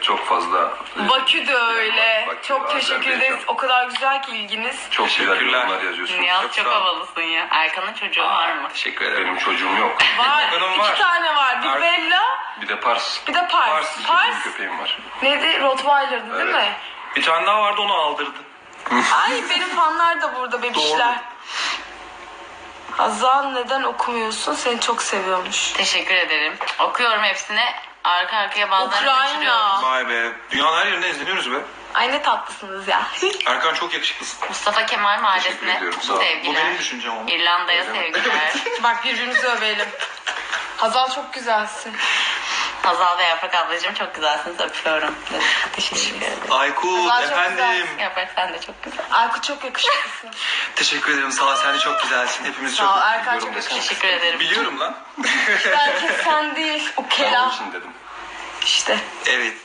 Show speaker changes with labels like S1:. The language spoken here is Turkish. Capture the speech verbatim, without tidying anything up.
S1: çok fazla...
S2: Bakü de öyle.
S1: Bakü,
S2: çok teşekkür
S1: Azerbaycan.
S2: ederiz. O kadar güzel ki ilginiz.
S1: Çok güzel
S3: Teşekkürler.
S1: yorumlar yazıyorsunuz.
S4: Nihat çok
S3: sağ ol.
S4: havalısın ya. Erkan'ın çocuğu var mı?
S3: Teşekkür ederim.
S1: Benim çocuğum yok.
S2: Var.
S3: Benim
S2: iki
S3: var.
S2: tane var. Bir
S3: Er-
S2: Bella,
S1: Bir de Pars.
S2: bir de Pars.
S3: Pars,
S1: Bir
S2: Pars.
S1: köpeğim var.
S2: Neydi? Rottweiler'dı değil
S1: Evet.
S2: mi?
S3: Bir tane daha vardı, onu aldırdı.
S2: Ay benim fanlar da burada bebişler. Hazal neden okumuyorsun? Seni çok seviyormuş.
S4: Teşekkür ederim. Okuyorum hepsini. Arka arkaya bazılarını kaçırıyorum.
S2: Ukrayna.
S3: Vay be. Dünyanın her yerinde izleniyoruz be.
S2: Ay ne tatlısınız ya.
S3: Erkan çok yakışıklısın.
S4: Mustafa Kemal
S1: Teşekkür
S4: Mahallesi'ne
S1: ediyorum, sağ ol.
S3: Bu
S4: sevgiler.
S3: benim düşüncem ama.
S4: İrlanda'ya
S1: Öyle mi?
S4: sevgiler.
S2: Bak birbirimizi övelim. Hazal çok güzelsin.
S4: Hazal ve Yaprak ablacığım çok güzelsiniz. Öpüyorum. Teşekkür ederim.
S3: Aykut
S2: Allah çok
S3: efendim.
S4: Yaprak sen de çok güzel.
S2: Aykut çok yakışıklısın.
S3: Teşekkür ederim. Sağ ol. Sen de çok güzelsin. Hepimiz
S2: Sağ ol.
S3: çok
S2: Erkan çok
S1: Biliyorum desene.
S2: yakışıklı.
S4: Teşekkür ederim.
S3: biliyorum lan.
S2: Belki sen değil. O
S1: Ben onun
S2: kelam.
S1: için dedim.
S2: İşte.
S3: Evet.